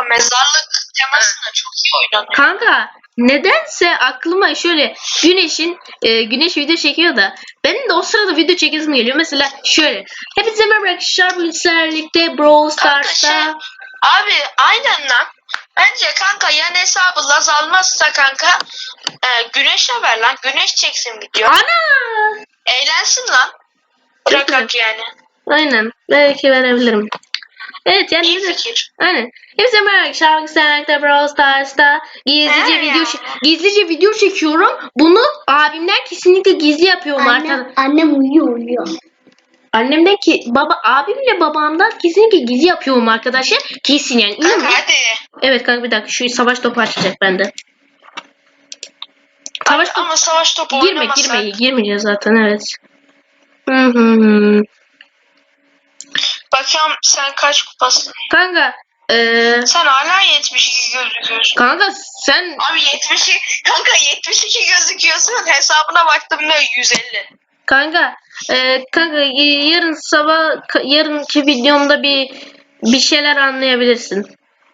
mezarlık temasında çok iyi oynanıyor. Kanka nedense aklıma şöyle güneş video çekiyor da benim de o sırada video çekesim geliyor. Mesela şöyle. Hepinize merhaba arkadaşlar. Bu birlikte Brawl Stars'ta. Abi aynen lan. Bence kanka yan hesabı Laz almazsa kanka Güneş'e ver lan. Güneş çeksin video. Ana! Eğlensin lan. Bırakak yani. Aynen. Belki verebilirim. Evet yani İyi fikir. aynen. Hepsi merhaba arkadaşlar. Brawl Stars'ta gizlice video çekiyorum. Bunu abimden kesinlikle gizli yapıyorum artık. Annem uyuyor. Annemden ki abimle babamdan kesinlikle gizli yapıyorum arkadaşlar. Kesin yani. Kanka hadi. Evet kanka bir dakika şu savaş topu açacak bende. Ama savaş topu oynamasak. Girmeyeceğiz zaten evet. Bakıyorum sen kaç kupasın? Kanka sen hala 72 gözüküyorsun. Kanka sen abi 72 gözüküyorsun. Hesabına baktım ne 150. Kanka yarınki videomda bir şeyler anlayabilirsin.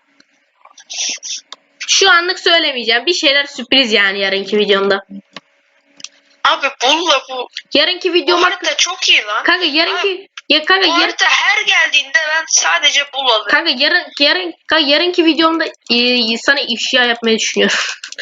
Şu anlık söylemeyeceğim. Bir şeyler sürpriz yani yarınki videomda. Abi bulla bu. Yarınki Bu videom harita çok iyi lan. Kanka yarınki bu harita her geldiğinde ben sadece bul alırım. Kanka yarınki videomda sana ifşa yapmayı düşünüyorum.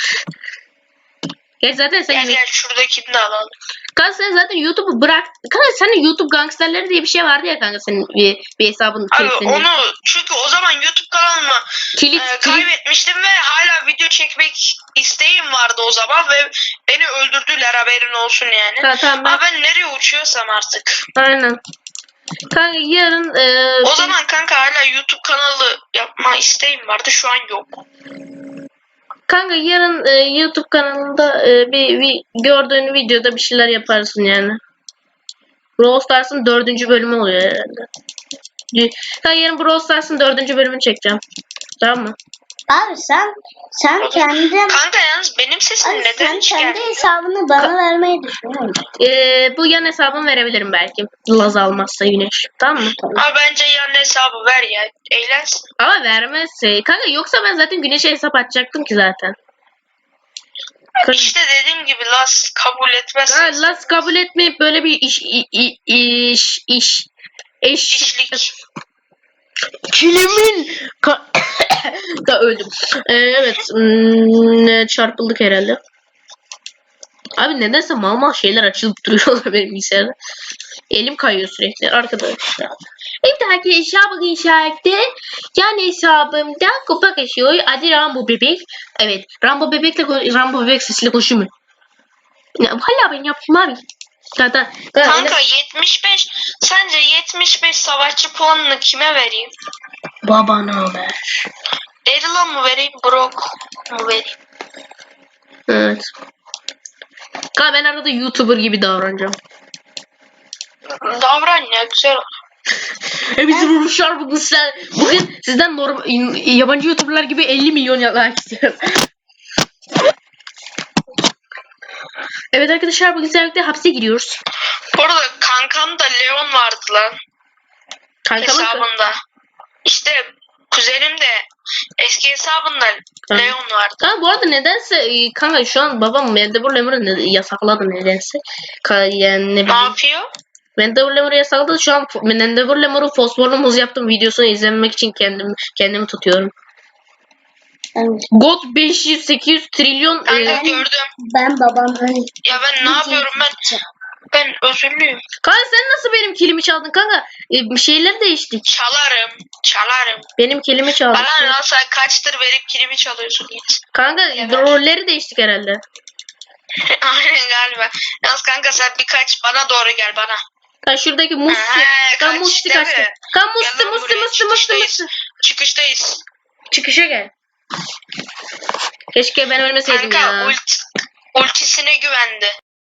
Zaten sen gel şuradakini de alalım. Kanka sen zaten YouTube'u bırak. Kanka senin YouTube gangsterleri diye bir şey vardı ya kanka senin bir hesabın. Abi onu çünkü o zaman YouTube kanalımı kaybetmiştim ve hala video çekmek isteğim vardı o zaman ve beni öldürdüler haberin olsun yani. Tamam, ama ben nereye uçuyorsam artık. Aynen. Kanka yarın o zaman kanka hala YouTube kanalı yapma isteğim vardı şu an yok. Kanka yarın YouTube kanalında bir gördüğün videoda bir şeyler yaparsın yani. Brawl Stars'ın 4. bölümü oluyor herhalde. Kanka yarın Brawl Stars'ın 4. bölümünü çekeceğim. Tamam mı? Abi sen kendin... Kanka yalnız benim sesim abi, neden sen kendi hesabını bana vermeyi düşünüyor musun? Bu yan hesabımı verebilirim belki. Laz almazsa Güneş. Tamam mı? Abi bence yan hesabı ver ya. Eğlensin. Ama vermezse. Kanka yoksa ben zaten Güneş'e hesap açacaktım ki zaten. İşte dediğim gibi Laz kabul etmezsin. Laz kabul etmeyip böyle bir eşlik. Kilimin da öldüm. Evet. Çarpıldık herhalde. Abi nedense mal şeyler açılıp duruyor benim bilgisayarda. Elim kayıyor sürekli arkadaşlar. Bir dahaki hesabı inşaatte yani hesabımda kupa kaşıyor. Adı Rambo Bebek. Evet. Rambo Bebek sesiyle konuşuyor mu? Hala ben yaptım abi. Kanka 75. Sence 75 savaşçı puanını kime vereyim? Babana ver. Daryl'a mı vereyim? Brock mu vereyim? Evet. Kanka ben arada YouTuber gibi davranacağım. Davran ya güzel olur. Bizim vuruşlar bugün sizden yabancı YouTuber'lar gibi 50 milyon like istiyoruz. Evet arkadaşlar bugün sizlerle hapse giriyoruz. Bu arada kankamda Leon vardı lan. Hesabında. İşte kuzenim de eski hesabında Leon vardı. Ha, bu arada nedense kanka şu an babam Mendebur Lemur'u yasakladı nedense. Yani ne yapıyor? Mendebur Lemur'u yasakladı. Şu an Mendebur Lemur'u fosforlu muz yaptım videosunu izlemek için kendimi tutuyorum. Evet. God 500-800 trilyon. Ben gördüm. Ben babamdan. Ya ben ne yapıyorum ben özürlüyüm. Kanka sen nasıl benim kilimi çaldın kanka? Şeyleri değiştik. Çalarım. Benim kilimi çaldın. Bana lan sen kaçtır benim kilimi çalıyorsun hiç. Kanka rolleri değiştik herhalde. Aynen galiba. Yalnız kanka sen birkaç bana doğru gel bana. Kanka şuradaki Musti kaçtı. Kanka Musti. Çıkıştayız. Çıkışa gel. Keşke ben ölmeseydim kanka, ya. Ultisine güvendi.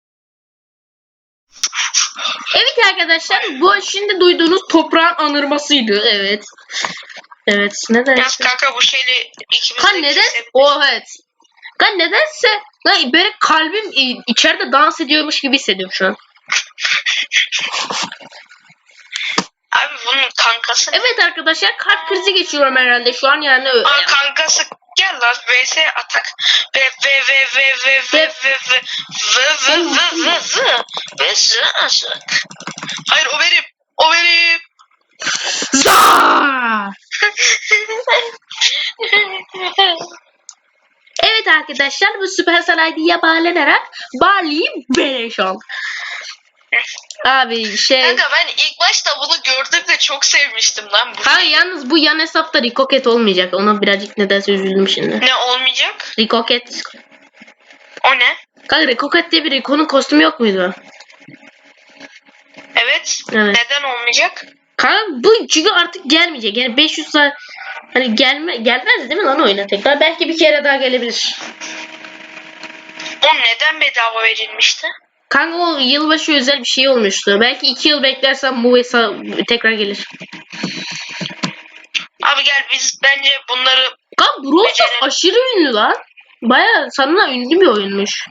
Evet arkadaşlar bu şimdi duyduğunuz toprağın anırmasıydı. Evet. Evet neden? Yalnız kanka bu şeyle ikimiz de neden? Evet. Kanka nedense böyle kalbim içeride dans ediyormuş gibi hissediyorum şu an. Abi bunun kankası ne? Evet arkadaşlar kalp krizi geçiriyorum herhalde şu an yani. Aa, kankası gel lan vs atak ve hayır o benim Za! Evet arkadaşlar bu Supercell ID'ye bağlanarak Barley'i beleş al. Abi kanka ben ilk başta bunu gördüğümde çok sevmiştim lan bu. Ha yalnız bu yan hesapta Rikoket olmayacak. Ona birazcık nedense üzüldüm şimdi. Ne olmayacak? Rikoket. O ne? Kanka Rikoket diye bir Rico'nun kostümü yok muydu? Evet. Evet. Neden olmayacak? Kanka bu çünkü artık gelmeyecek. Yani 500 saat hani gelmez değil mi lan oyuna tekrar? Belki bir kere daha gelebilir. O neden bedava verilmişti? Kanka o yılbaşı özel bir şey olmuştu. Belki 2 yıl beklersen bu hesap tekrar gelir. Abi gel biz bence bunları Kanka Brawl Stars becerelim. aşırı ünlü lan. Baya sanılan ünlü bir oyunmuş.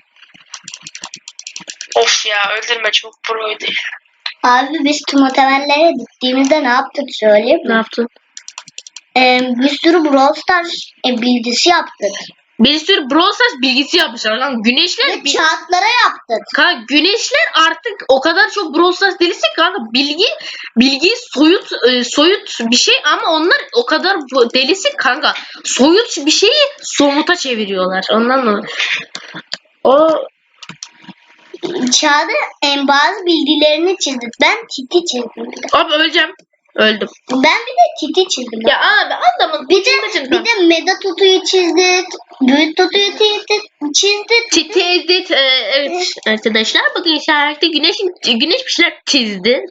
Of ya öldürme çok proydu. Abi biz Tumatevellere gittiğimizde ne yaptık söyleyeyim Ne mi? yaptın? Bir sürü Brawl Stars bilgisi yaptık. Bir sürü Brawl Stars bilgisi yapmışlar lan. Güneşler Ve kağıtlara yaptık. kanka güneşler artık o kadar çok Brawl Stars delisi ki kanka bilgi soyut bir şey ama onlar o kadar delisi kanka soyut bir şeyi somuta çeviriyorlar. Ondan dolayı. O Çağda bazı bilgilerini çizdik. Ben Titi çizdim. Bir de. abi öleceğim. Öldüm. Ben bir de Titi çizdim. Ya abi adamın Bir de Meda Tutu'yu çizdik. Büyük Tutu'yu çizdik. Tezit evet arkadaşlar bugün işarette güneş bir şeyler çizdi.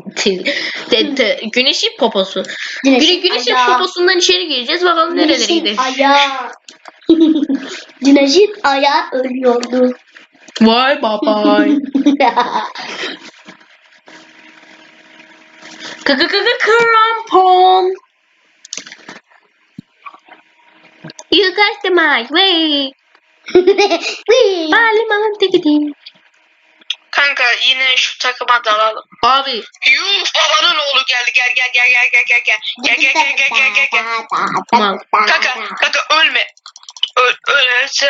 Güneşin poposu. Güneşin ayağı. poposundan içeri gireceğiz. Bakalım nerelere Güneşin gidelim. ayağı. Güneşin ayağı ölüyordu. Vay babay. Krampon. You got the mic. Wait. Parliament gideyim. Kanka yine şu takıma dalalım. Abi. Yuh babanın oğlu geldi gel. Mal. Kanka ölme. Ölse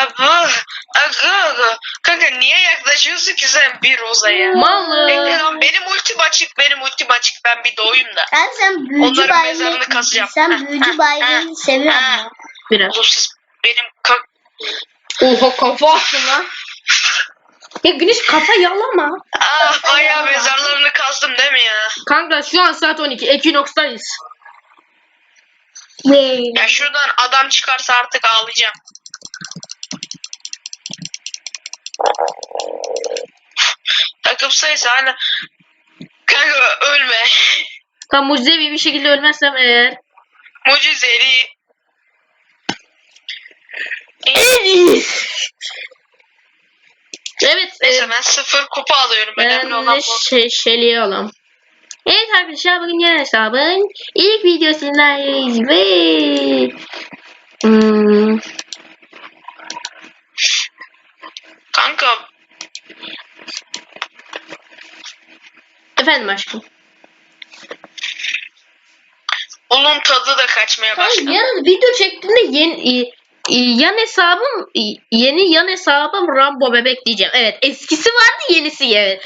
kanka niye yaklaşıyorsun ki sen bir Roza'ya? Mal. Bekle lan benim ultim açık ben bir doğayım da. Abi sen büyücü Onların mezarını kazacağım. Sen büyücü bayrağı seviyorsun mu? Biraz. Oğlum siz benim Oha kafa attın lan. Ya güneş kafa yalama. bayağı mezarlarını kazdım değil mi ya? Kanka şu an saat 12. Equinox'tayız. Ya şuradan adam çıkarsa artık ağlayacağım. Takım sayısı hala. Kanka ölme. Tam mucizevi bir şekilde ölmezsem eğer. Mucizeli. Evet. Neyse ben 0 kupa alıyorum. Önemli olan bu. Şeliye alalım. Evet arkadaşlar bugün yine hesabın ilk videosundayız ve Kanka efendim aşkım. bunun tadı da kaçmaya başladı. Yarın video çektiğimde yeni yan hesabım Rambo bebek diyeceğim. Evet eskisi vardı yenisi evet.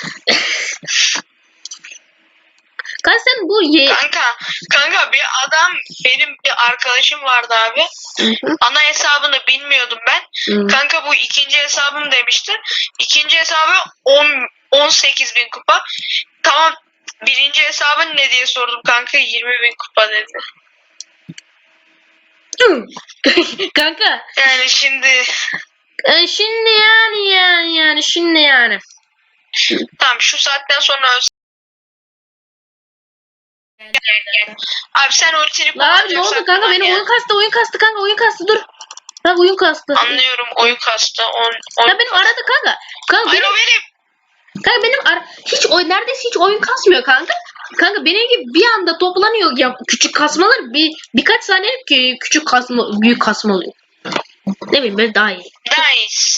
Kanka sen bu Kanka bir adam benim bir arkadaşım vardı abi. Ana hesabını bilmiyordum ben. Kanka bu ikinci hesabım demişti. İkinci hesabı 18.000 kupa. Tamam birinci hesabın ne diye sordum kanka 20.000 kupa dedi. Kanka. Yani şimdi. Şimdi yani. Tamam şu saatten sonra gel. Abi sen ultini Abi ne kullanacaksan oldu kanka kullan benim ya. oyun kastı kanka oyun kastı dur. Bak oyun kastı. Anlıyorum oyun kastı. Ya benim arada kanka. Hayır o benim. Kanka benim neredeyse hiç oyun kasmıyor kanka. Kanka benim gibi bir anda toplanıyor ya küçük kasmalar birkaç saniye küçük kasma büyük kasma oluyor. Ne bileyim böyle daha iyi. Nice.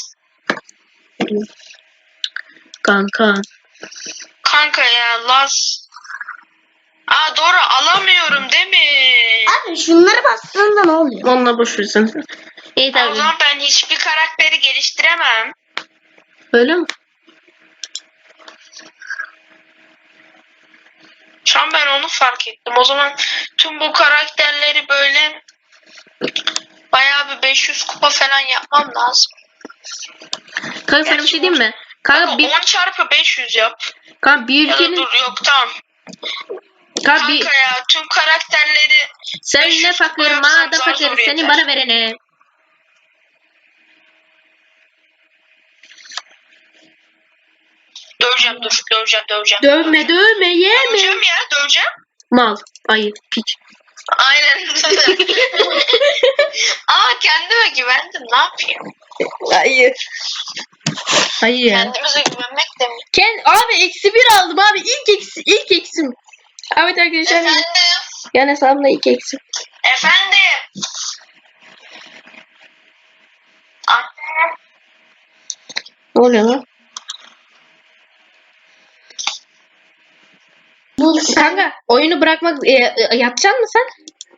Kanka. Kanka ya Laz. Aa doğru alamıyorum değil mi? Abi şunları bastığında ne oluyor? Onunla boş versin. İyi O tabii. zaman ben hiçbir karakteri geliştiremem. Öyle mi? Şu an ben onu fark ettim. O zaman tüm bu karakterleri böyle bayağı bir 500 kupa falan yapmam lazım. Kanka sana bir şey diyeyim mi? Kanka Ama bir, 10 çarpı 500 yap. kanka bir Ya da ülkenin dur yok tamam. kanka bir Kanka ya tüm karakterleri sen ne 500 kupa fakir yapsam ma da zar fakir zor senin yeter. bana verene. Döveceğim dur döveceğim. Dövme dövme yeme. Döveceğim ya döveceğim. Mal. Ayı piç. Aynen. Aa kendime güvendim ne yapayım? Ayı. Ayı ya. Kendimize güvenmek de mi? Abi eksi bir aldım abi. İlk eksim. Evet arkadaşlar. Efendim. Yani hesabımda ilk eksim. Efendim. Anne. Ne oluyor lan? Kanka oyunu bırakmak yatacaksın mı sen?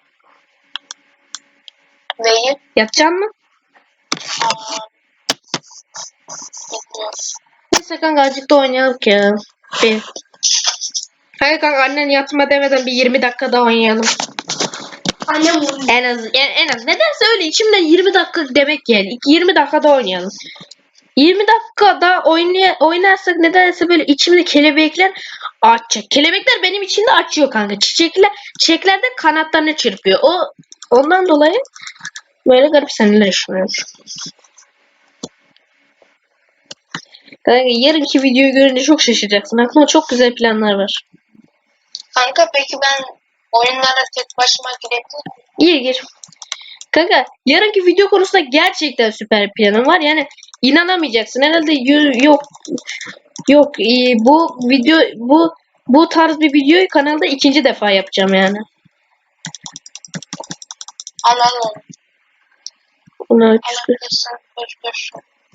Neyi? Yatacaksın mı? Aa, bilmiyorum. Neyse kanka azıcık da oynayalım ya. Bir. Hayır kanka annen yatma demeden bir 20 dakika daha oynayalım. Annem uyuyor. En az. Nedense öyle içimde 20 dakika demek yani. 20 dakika daha oynayalım. 20 dakika daha oynarsak nedense böyle içimde kelebekler açacak. Kelebekler benim içimde açıyor kanka. Çiçekler de kanatlarını çırpıyor. Ondan dolayı böyle garip seneler yaşanıyor. Kanka yarınki videoyu görünce çok şaşıracaksın. Aklımda çok güzel planlar var. Kanka peki ben oyunlara tek başıma girebilir miyim? Gir. Kanka yarınki video konusunda gerçekten süper bir planım var. Yani inanamayacaksın. Herhalde yok. Bu tarz bir videoyu kanalda ikinci defa yapacağım yani. Alalım. Bunu Alabilirsen dur.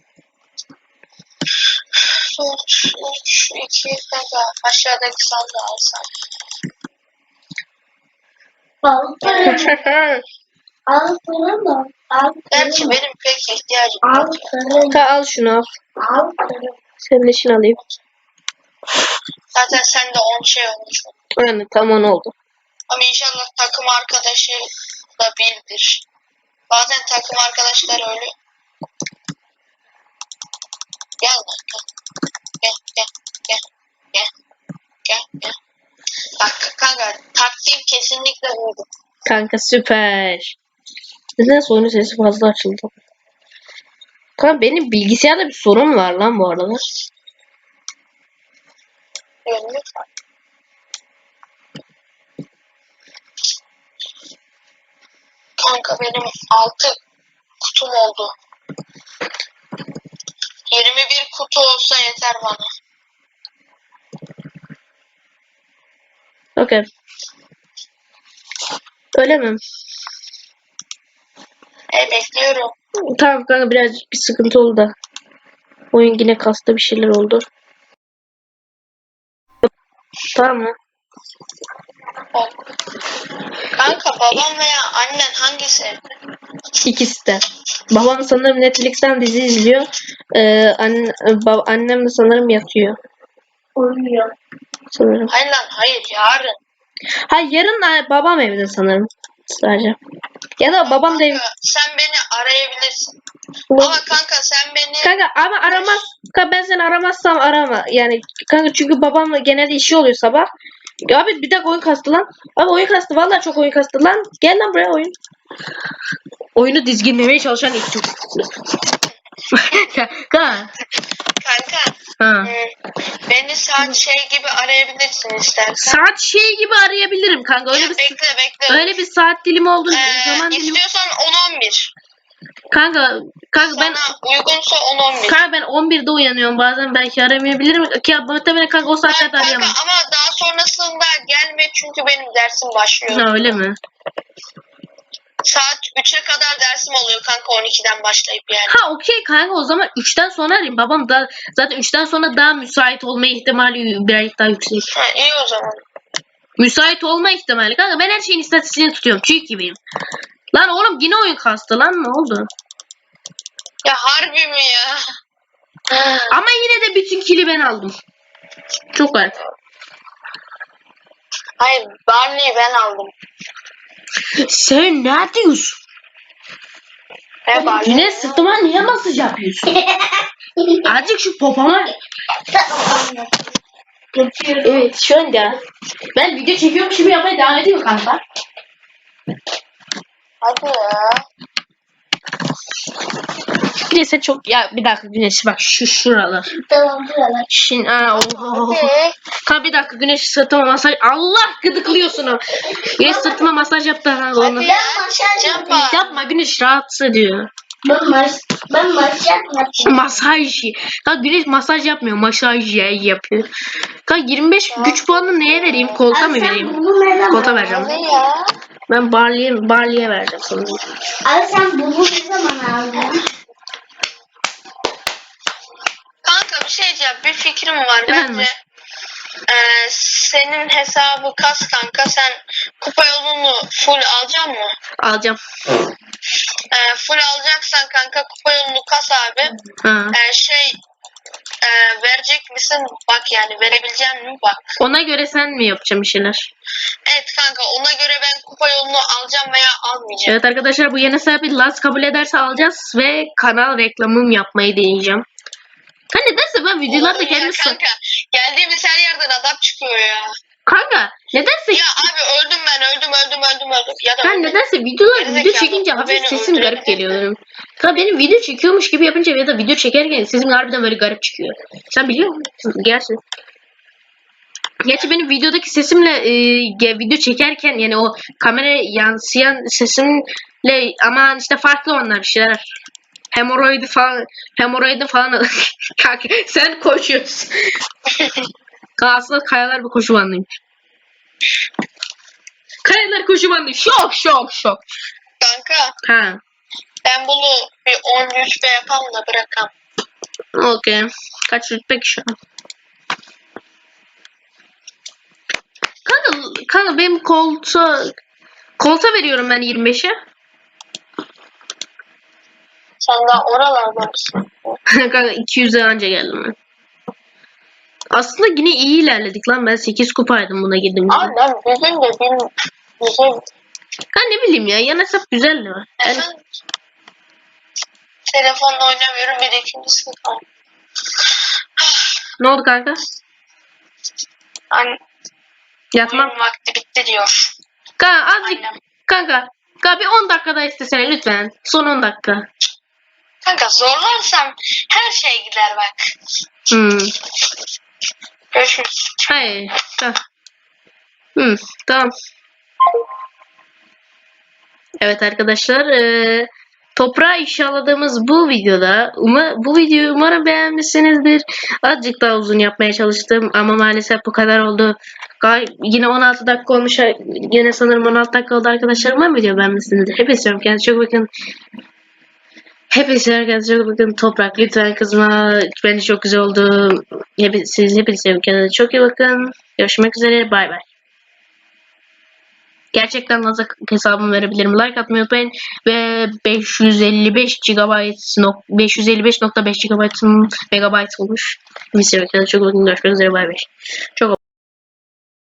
3, 2, kanka aşağıdaki sandığı alsam. Al kırım mı? Al Gerçi kırım mı? benim pek ihtiyacım Al yok ya. kırım. al şunu al. Al kırım. Senin için alayım. Zaten sen de 10 şey olmuş oldu. Yani tamam oldu. Ama inşallah takım arkadaşı da birdir. Bazen takım arkadaşlar öyle. Gel lan gel. Bak kanka taktiğim kesinlikle buydu. Kanka süper. Nedense oyunun sesi fazla açıldı. Kanka benim bilgisayarda bir sorun var lan bu arada. Yönlü. Kanka benim 6 kutum oldu. 21 kutu olsa yeter bana. Okey. Öyle mi? Bekliyorum. Tamam kanka birazcık bir sıkıntı oldu da. Oyun yine kastı bir şeyler oldu. Tamam mı? Kanka babam veya annen hangisi evde? İkisi de. Babam sanırım Netflix'ten dizi izliyor. Annem de sanırım yatıyor. Uyuyor. Sanırım. Hayır yarın. Hayır yarın babam evde sanırım. Sadece. Ya da babam da Kanka sen beni arayabilirsin. Ama kanka sen beni Kanka ama aramaz. Kanka ben seni aramazsam arama. Yani kanka çünkü babamla genelde işi oluyor sabah. Ya abi bir dakika oyun kastı lan. Abi oyun kastı vallahi çok oyun kastı lan. Gel lan buraya oyun. Oyunu dizginlemeye çalışan ilk çocuk. Kanka. kanka Ha. beni saat şey gibi arayabilirsin istersen. Saat şey gibi arayabilirim kanka. Ya bekle. Öyle bir saat dilimi olduğu zaman dilimi. İstiyorsan 10-11. Kanka ben Sana uygunsa 10-11. kanka ben 11'de uyanıyorum. Bazen belki aramayabilirim. Ki muhtemelen kanka o saatlerde Kanka arayamam. ama daha sonrasında gelme çünkü benim dersim başlıyor. Ha öyle mi? Saat 3'e kadar dersim oluyor kanka 12'den başlayıp yani. Ha okey kanka o zaman 3'ten sonra arayayım. Babam da zaten 3'ten sonra daha müsait olma ihtimali birazcık daha yüksek. Ha, iyi o zaman. Müsait olma ihtimali. Kanka ben her şeyin istatistiğini tutuyorum. Çiğ gibiyim. Lan oğlum yine oyun kastı lan, ne oldu? Ya harbi mi ya? Ama yine de bütün kili ben aldım. Çok garip. Hayır, Barney'i ben aldım. Sen ne diyorsun? He Barney. Yine sırtıma niye masaj yapıyorsun? Azıcık şu popoma. Evet şu anda ben video çekiyorum, şimdi yapmaya devam ediyorum kanka. Hadi ya. Neyse çok ya, bir dakika Güneş bak şu şuralar. Tamam buralar. Şimdi Hadi. Kanka bir dakika Güneş sırtıma masaj. Allah gıdıklıyorsun ama. Güneş sırtıma masaj yaptı ha onu. Hadi ya. Maşaj Yapma. Yapma Güneş, rahatsız ediyor. Ben maşaj yapmadım. Masaj. Kanka Güneş masaj yapmıyor, masaj yapıyor. Kanka 25 güç puanını neye vereyim? Kolta mı vereyim? Kolta vereceğim. Hadi ya. Ben Barley'e vereceğim sana. Abi sen bunu ne zaman aldın? Kanka bir şey diyeceğim. Bir fikrim var. Efendim? Bence senin hesabı kas kanka. Sen kupa yolunu full alacak mı? Alacağım. Full alacaksan kanka kupa yolunu kas abi. Ha. Verecek misin? Bak yani verebilecek mi? Bak. Ona göre sen mi yapacaksın bir şeyler? Evet kanka ona göre ben kupa yolunu alacağım veya almayacağım. Evet arkadaşlar, bu yeni sahibi Laz kabul ederse alacağız ve kanal reklamım yapmayı deneyeceğim. Kanka nedense ben videolarda Oğlum ya kendimi kanka geldiğimiz her yerden adam çıkıyor ya. Kanka nedense Ya abi öldüm ben öldüm. Ya da ben öldüm. nedense video Gerizekalı, çekince o hafif beni sesim garip öldürebilir geliyor benim. Kanka benim video çekiyormuş gibi yapınca ya da video çekerken sesim harbiden böyle garip çıkıyor. Sen biliyor musun? Gerçi benim videodaki sesimle video çekerken yani o kameraya yansıyan sesimle ama işte farklı onlar bir şeyler. Hemoroidi falan kanka sen koşuyorsun. Aslında kayalar bir koşu bandıymış. Kayalar koşu bandı. Şok. Kanka Ha. ben bunu bir 10 rütbe yapalım da bırakam. Okey. Kaç rütbe ki şu an? Kanka benim kolta veriyorum ben 25'e. Sen daha oralarda mısın? Kanka 200'e anca geldim ben. Aslında yine iyi ilerledik lan. Ben 8 kupaydım buna girdim. Abi ben bugün de bir güzel. Kanka ne bileyim ya. Yan hesap güzel mi? Yani, Efendim? Telefonla oynamıyorum bir de ikincisi var. ne oldu kanka? Hani Yatmam. oyun vakti bitti diyor. Kanka azıcık. Aynen. Kanka bir 10 dakika daha istesene lütfen. Son 10 dakika. Kanka zorlarsam her şey gider bak. Görüşürüz. Hayır. Tamam. Tamam. Evet arkadaşlar. Toprağa inşalladığımız bu videoda bu videoyu umarım beğenmişsinizdir. Azıcık daha uzun yapmaya çalıştım ama maalesef bu kadar oldu. Yine 16 dakika olmuş. Yine sanırım 16 dakika oldu arkadaşlar. Umarım video beğenmişsinizdir. Hepinize kendinize çok bakın. Hepinize çok bakın. Toprak lütfen kızma. Bence çok güzel oldu. Hepinize kendinize çok iyi bakın. Görüşmek üzere. Bay bay. Gerçekten nasıl hesabımı verebilirim. Like atmayı unutmayın. Ve 555.5 GB olmuş. Bir sefer çok bakın. Görüşmek üzere. Bay bay. Çok